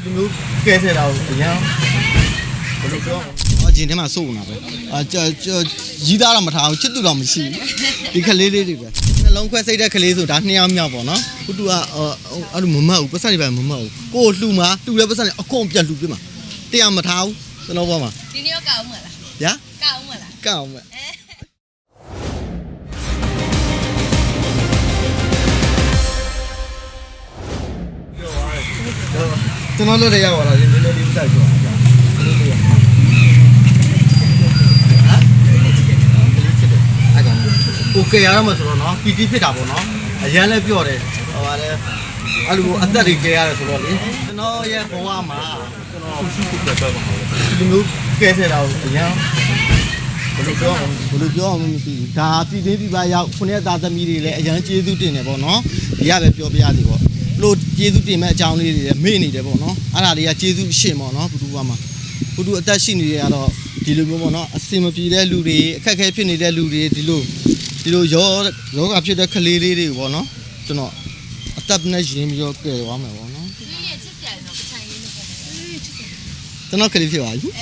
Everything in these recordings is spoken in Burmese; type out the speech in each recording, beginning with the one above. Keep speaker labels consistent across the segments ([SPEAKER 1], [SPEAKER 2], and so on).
[SPEAKER 1] ဒီမျိုးကဲဆက်တာကိုအရင်ဘယ်လိုပြောအကျင်ထဲမှာစိုးနေတာပဲရီးသားတော့မထားအောင်ချစ်သူတော့မရှိဘူးဒီကလေးလေးတွေပဲနှလုံးခွဲစိတ်တဲ့ကလေးဆိုဒါ2ယောက်မြောက်ပေါ့နော်ခုတူကအဲ့လိုမမတ်ဘူးပတ်စံတွေပဲမမတ်ဘူးကိုလှူမှာလှူတဲ့ပတ်စံတွေအကုန်ပြတ်လှူပြမှာတရားမထားဘူးကျွန်တော်ဘောမှာ
[SPEAKER 2] ဒီနေ့ကောက်အောင်မလား
[SPEAKER 1] ညာ
[SPEAKER 2] ကောက်အောင်မလား
[SPEAKER 1] ကောက်အောင်မယ်ကျွန်တော်တို့လည်းရောက်လာတယ်နည်းနည်းလေးစိုက်ကြပါโอเคရတော့မဆိုတော့เนาะပီတီဖြစ်တာပေါ့เนาะအရန်လည်းပြော့တယ်ဟိုပါလေအဲ့လိုအသက်တွေကဲရတယ်ဆိုတော့လေကျွန်တော်ရဲ့ဘဝမှာကျွန်တော်ဒီမျိုးကဲဆက်တာကိုအရန်ဘယ်လိုပြောအောင်မသိဘူးဒါပြည်သေးပြည်ပါရောက်ခုနှစ်သားသမီးတွေလည်းအရန်ကျေးဇူးတင်တယ်ပေါ့เนาะဒီကပဲပြောပြရစီပေါ့လို့ကျေးဇူးတင်မဲ့အကြောင်းလေးတွေလည်းမေ့နေတယ်ပေါ့เนาะအဲ့ဒါတွေကကျေးဇူးရှင်းပေါ့เนาะဘုသူဘွားမှာဘုသူအသက်ရှိနေရတော့ဒီလိုမျိုးပေါ့เนาะအစင်မပြေတဲ့လူတွေအခက်အခဲဖြစ်နေတဲ့လူတွေဒီလိုယောဂဖြစ်တဲ့ကလေးလေးတွေပေါ့နော်ကျွန်တော်အသက်နဲ့ရင်းပြီးတော့ကဲသွားမယ်ပေါ့နော်
[SPEAKER 2] ဒီရဲ့ချစ်စရာတော့ပချိုင်လေးနဲ့ပေါ့
[SPEAKER 1] ကျွန်တော်ကလေးဖြစ်ပါပြီ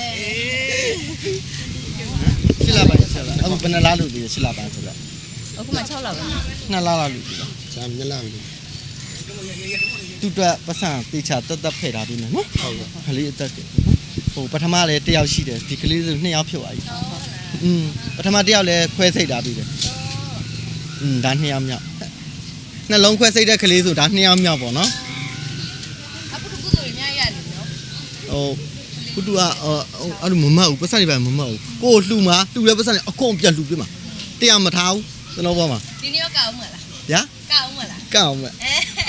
[SPEAKER 1] ရှစ်လပိုင်းအခုဘယ်နှလားလို့ဒီရှစ်လပိုင်းဆိုတော့
[SPEAKER 2] အခုမှ6လပါ
[SPEAKER 1] 2လလောက်လို့ဒီလားဇာ2လပြီတူတွက်ပတ်စံတေချာတက်ဖဲ့ထားပြီးမယ်နော်ဟုတ်ကဲ့ကလေးအသက်တယ်ဟိုပထမလည်း1ယောက်ရှိတယ်ဒီကလေးဆို2ယောက်ဖြစ်သွားပြီပထမ1ယောက်လည်းခွဲစိတ်ထားပြီးတယ်ဒါ2ယောက်မြောက်နှလုံးခွဲစိတ်တဲ့ကလေးဆိုဒါ2ယောက်မြောက်ပေါ့နော်
[SPEAKER 2] အခုကုသိုလ်ရများရတယ်နော်
[SPEAKER 1] ဟိုခုတူကအဲ့လိုမမတ်ဘူးပတ်စံတွေပဲမမတ်ဘူးကိုလှူမှာလှူတဲ့ပတ်စံတွေအကုန်ပြတ်လှူပြမှာတရားမထားဘူးကျွန်တော်ဘောမှာ
[SPEAKER 2] ဒီနေ့ကောက်အောင်မလား
[SPEAKER 1] ညာ
[SPEAKER 2] ကောက်အောင်မလား
[SPEAKER 1] ကောက်အောင်မယ်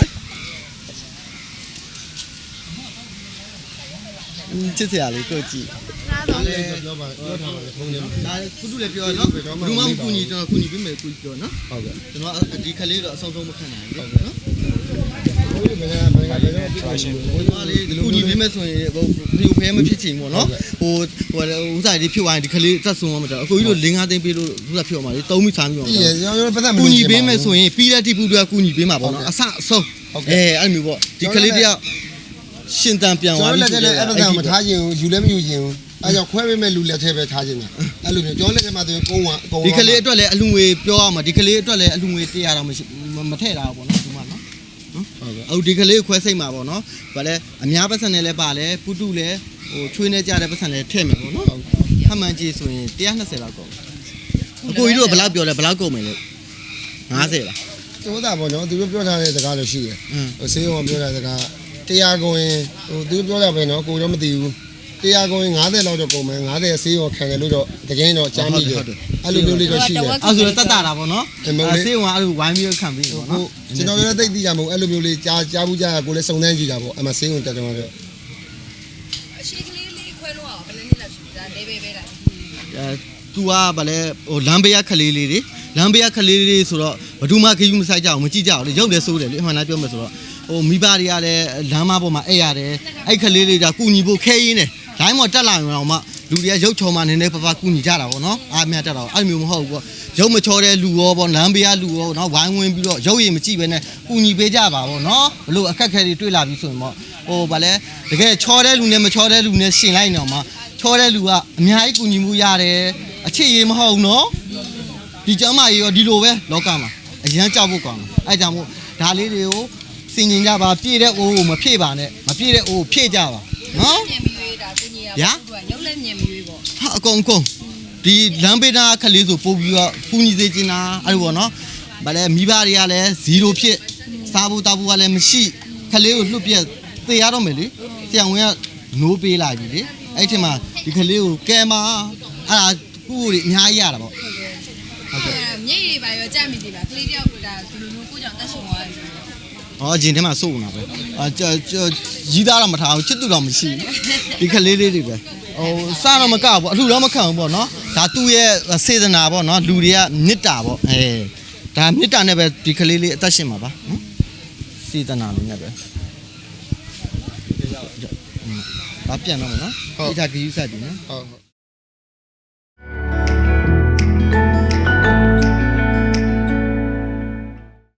[SPEAKER 1] ချစ်စရာလေးကိုကြည့်
[SPEAKER 2] ဒါ
[SPEAKER 1] လည်းပြောပါပြောထားပါလေထုံးနေဒါခုတူလည်းပြောနော်ဘယ်သူမှမကူညီကျွန်တော်ကူညီပေးမယ်ကူညီပြောနော်ဟုတ်ကဲ့ကျွန်တော်ဒီခလေးတော့အဆုံးဆုံးမခံနိုင်ဘူးဟုတ်ကဲ့နော်ဘယ်ကကူညီပေးမယ်ဆိုရင်ဟိုဒီဖဲမဖြစ်ချင်ဘူးနော်ဟိုဥစားလေးဖြစ်သွားရင်ဒီခလေးသက်ဆုံးမှာတော့အကိုကြီးတို့5သိန်းပေးလို့ဥစားဖြစ်သွားမှာလေ3မိသားမျိုးပေါ့ကူညီပေးမယ်ဆိုရင်ပြီးတဲ့တိပူတွေကကူညီပေးမှာပေါ့နော်အဆအဆုံးအဲ့လိုမျိုးပေါ့ဒီခလေးတယောက်ရှင်တန်ပြန်သွားပြီဆိုတော့
[SPEAKER 3] အဲ့ဒါမထားခြင်းယူလည်းမယူခြင်းအဲကြောင့်ခွဲပေးမဲ့လူလက်ထဲပဲထားခြင်းအဲ့လိုမျိုးကျောင်းလက်ထဲမှာဆိုရင်ကုန်း
[SPEAKER 1] ဒီကလေးအတွက်လည်းအလူငွေပြောရမှာဒီကလေးအတွက်လည်းအလူငွေ100တော့မထည့်တာပေါ့နော်ဒီမှာနော်ဟုတ်ကဲ့အခုဒီကလေးခွဲစိတ်မှာပေါ့နော်ဗာလဲအများပတ်စံနဲ့လည်းပါလဲပုတုလည်းဟိုချွေးနေကြတဲ့ပတ်စံလည်းထည့်မယ်ပေါ့နော်ခမှန်ကြီးဆိုရင်120လောက်ကုန်အကိုကြီးတို့ဘယ်လောက်ပြောလဲဘယ်လောက်ကုန်မယ်လဲ50လား
[SPEAKER 3] တိုးတာပေါ့နော်သူတို့ပြောထားတဲ့စကားလို့ရှိတယ်ဟိုဆေးရုံကပြောတဲ့စကား100ကုန်ရင်ဟိုသူပြောရပဲနော်ကိုတော့မသိဘူး100ကုန်ရင်50လောက်တော့ကုန်မယ်50ဆေးရောခံတယ်လို့တော့တကယ်တော့ကြားမိတယ်အဲ့လိုမျိုးလေးတော့ရှိတယ်
[SPEAKER 1] အဲ့ဆိုတော့တတ်တာပေါ့နော်ဆေးရောအဲ့လိုဝိုင်းပြီးခံပြီးပေါ့နော်
[SPEAKER 3] ကျွန်တော်လည်းသိသိကြမဟုတ်အဲ့လိုမျိုးလေးကြားဘူးကြားကိုလည်းစုံစမ်းကြည့်တာပေါ့အမှဆေးရုံတက်တယ်မှာပဲ
[SPEAKER 2] အရှိကလေးလေးခွဲလို့အောင်ဘယ်နှစ်လောက်ရှိတာလေးပဲလား
[SPEAKER 1] သူကဗာလဲဟိုလမ်းဘေးကခလေးလေးတွေလမ်းဘေးကခလေးလေးဆိုတော့ဘယ်သူမှခယူးမဆိုင်ကြအောင်မကြည့်ကြအောင်လေရုပ်လည်းစိုးတယ်လေအမှန်တမ်းပြောမယ်ဆိုတော့ဟိုမိဘတွေကလည်းလမ်းမပေါ်မှာအဲ့ရတယ်အဲ့ခလေးလေးကကူညီဖို့ခဲရင်းတယ်လိုင်းမော်တက်လာရင်တော့မှလူတွေကရုပ်ချော်မှနည်းနည်းပပကူညီကြတာပေါ့နော်အားမြတ်တက်တော့အဲ့လိုမျိုးမဟုတ်ဘူးပေါ့ရုပ်မချော်တဲ့လူရောပေါ့လမ်းဘေးကလူရောနော်ဝိုင်းဝန်းပြီးတော့ရုပ်ရည်မကြည့်ပဲနဲ့ကူညီပေးကြပါပေါ့နော်ဘလို့အခက်ခဲတွေတွေ့လာပြီးဆိုရင်ပေါ့ဟိုဗာလဲတကယ်ချော်တဲ့လူနဲ့မချော်တဲ့လူနဲ့ရှင်လိုက်နေတော့မှချော်တဲ့လူကအများကြီးကူညီမှုရတယ်အချစ်ရည်မဟုတ်နော်ဒီကျမ်းမာရေးရောဒီလိုပဲလောကမှာအရန်ကြောက်ဖို့ကောင်းတယ်အဲ့ကြောင့်မို့ဒါလေးတွေကိုစင်ကျင်ကြပါပြည့်တဲ့အိုးကိုမဖြည့်ပါနဲ့မပြည့်တဲ့အိုးဖြည့်ကြပါနော်
[SPEAKER 2] မြန်ပြီးရွေးတာကိုကြီးရပါဘူးရုပ်လည်းမြန်ပြီးရွေးပေါ့
[SPEAKER 1] ဟာအကုန်ဒီလမ်းဘေးနာခလေးဆိုပို့ပြီးတော့ပူညီစေချင်တာအဲ့လိုပေါ့နော်ဗာလဲမိဘတွေကလည်း0ဖြစ်စားဖို့တောက်ဖို့ကလည်းမရှိခလေးကိုလှုပ်ပြက်သေရတော့မယ်လေဆရာဝန်ကနိုးပေးလိုက်ပြီလေအဲ့ထင်မှာဒီခလေးကိုကဲမှာအဲ့ဒါခုတွေအများကြီးရတာပေါ့
[SPEAKER 2] ဟုတ်ကဲ့မြိတ်တွေပါရောကြမိသေးလားကလေးတယောက်ကဒါဒီလိုမျိုးကိုကြောင့်တက်ရှင်သွားတယ်
[SPEAKER 1] အကျင်ထဲမှာစိုးနေတာပဲရီးသားတော့မထားဘူးချစ်သူတော့မရှိဘူးဒီကလေးလေးတွေပဲဟိုစားတော့မကဘူးအလှတော့မခံဘူးပေါ့နော်ဒါသူ့ရဲ့စေတနာပေါ့နော်လူတွေကမေတ္တာပေါ့ဒါမေတ္တာနဲ့ပဲဒီကလေးလေးအသက်ရှင်မှာပါနော်စေတနာလေးနဲ့ပဲဒါပြန်တော့မနော်ဒီကဂီးဆက်ပြီနော်
[SPEAKER 3] ဟုတ်